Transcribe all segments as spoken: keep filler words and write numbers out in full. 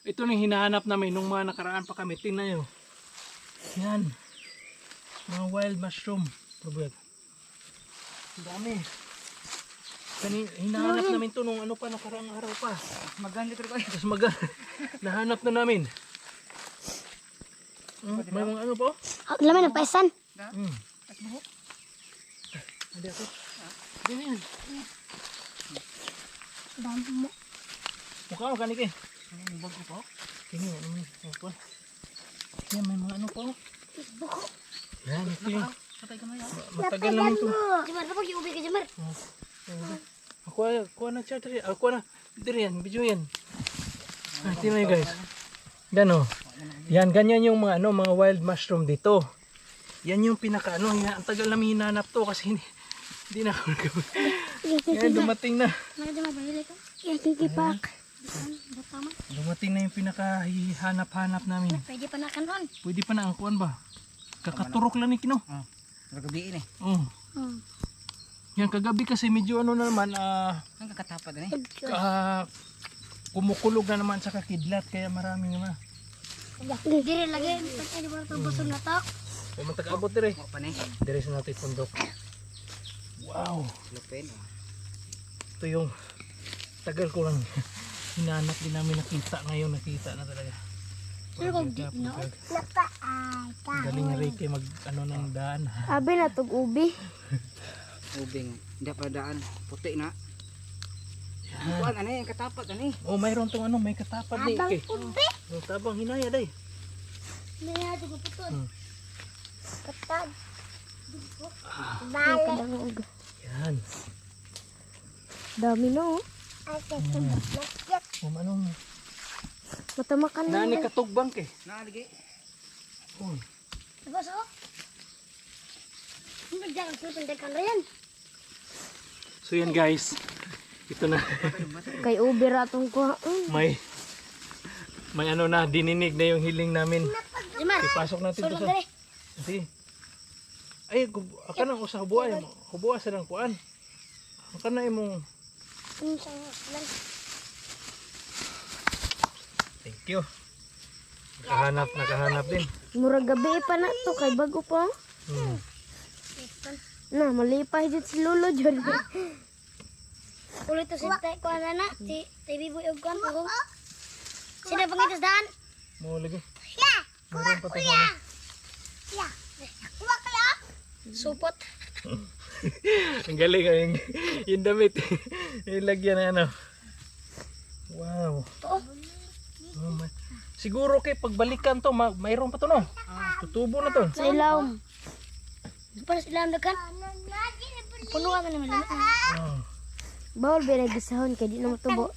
ito na yung hinahanap namin nung mga nakaraan pa kami. Tingnan nyo. Yan. Mga wild mushroom. Probag. Ang dami. Kani, hinahanap namin to nung ano pa, nakaraang araw pa. Maganda ito kayo. Tapos mag nahanap na namin. Hmm, may mga ano po? Oh, laman ng paisan. Hmm. Hindi ako. Hindi yan. Dami mo. Mukha mo kanik eh. Ano yung bago po? Tingin ano mo. Ano yan, may mga ano po. Buko. Yan, ito yung Patay ka na yan. matagal namin ito. Jemar, kapag yung ubi ka, Jemar. Ako ako na chat rin. Ako na. Dito yan, video yan. Ah, tingnan nyo guys. Yan o. Yan, ganyan yung mga ano, mga wild mushroom dito. Yan yung pinaka ano, yan, ang tagal namin hinanap to kasi hindi, hindi na ako nagawin. Yan, dumating na. Mga Jemar, bahili ka. Yan, kikipak. Tama. Dumating na yung pinaka hanap-hanap namin. Pwede pa na kanon. Pwede pa na ang kuwan ba? Kakaturok lang ni Kino. Oh, nagabiin eh. Oh. Hmm. Yan, kagabi kasi medyo ano na naman, ah, Ang kakatapad na eh. ka, kumukulog na naman sa kakidlat, kaya marami naman. Dire lagi. Pwede ba ito busog na to? Kaya matag-abot dire. Mo pa na eh. Dire sa natin pundok. Wow! Lupin. oh. Ito yung tagal ko lang hinanap din namin nakita. Ngayon nakita na talaga. Pero kung di Pagka- na. pagka- Galing na Ricky mag ano ng daan. Abi na tog ubi. Ubing. Hindi pa daan. Puti na. Kuan ano eh. Katapat ano eh. Oh, mayroon tong ano, may katapad ni Abang Ike. ubi. Oh, tabang hinaya day. Naya ito ko putol. Hmm. Katag. Bala. Yan. Dami no. Um, ano, Matamakan na. nani katugbang ke. Naaligi. Oh. Diba so? Hindi dyan ang susundan na yan. So yan guys. Ito na. Kay ubi ratong ko. may may ano na, dininig na yung hiling namin. Jemar. Ipasok natin to Sulod sa... dali. Sige. Ay, gub- aka na usa hubuay mo. Hubuay sa lang kuan. Aka na imong thank you. Nakahanap, nakahanap din. Murag gabi pa na to kay bago pa. Hmm. Na, malipay dito si Lolo dyan. Ulit to si Tay ko na na. Si Tay Biboy og kan ko. Sino pangitas daan? Mo lagi. Ya. Meron pa tayo. ano. Ya. Kuha kaya? Supot. Ang galing yung, yung damit. Yung lagyan na ano. Wow. Oo. Oh, may- siguro kay pagbalikan to, ma- mayroon pa to no. Tutubo na to. Sa ilaw. Para sa ilaw dagan. Puno ka naman lang. Oh. Bawal binagisahon kay di na matubo.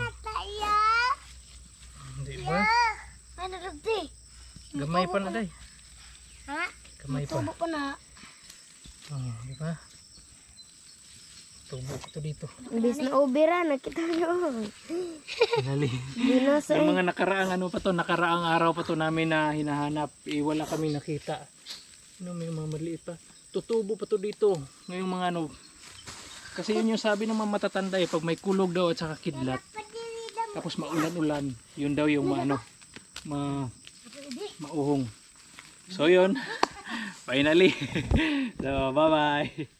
Hindi ba? Ano rugti? Gamay pa na day. Ha? Gamay pa. Tubo pa na. Oh, di ba? Tubo ko to dito. Imbis na ubira, nakita nyo. Gali. Di na sa Yung mga nakaraang ano pa to, nakaraang araw pa to namin na hinahanap, eh, wala kami nakita. Ano, may mga maliit pa. Tutubo pa to dito. Ngayong mga ano, kasi yun yung sabi ng mga matatanda eh, pag may kulog daw at saka kidlat, tapos maulan-ulan, yun daw yung maano, ma, mauhong. So yun, finally. So, bye-bye.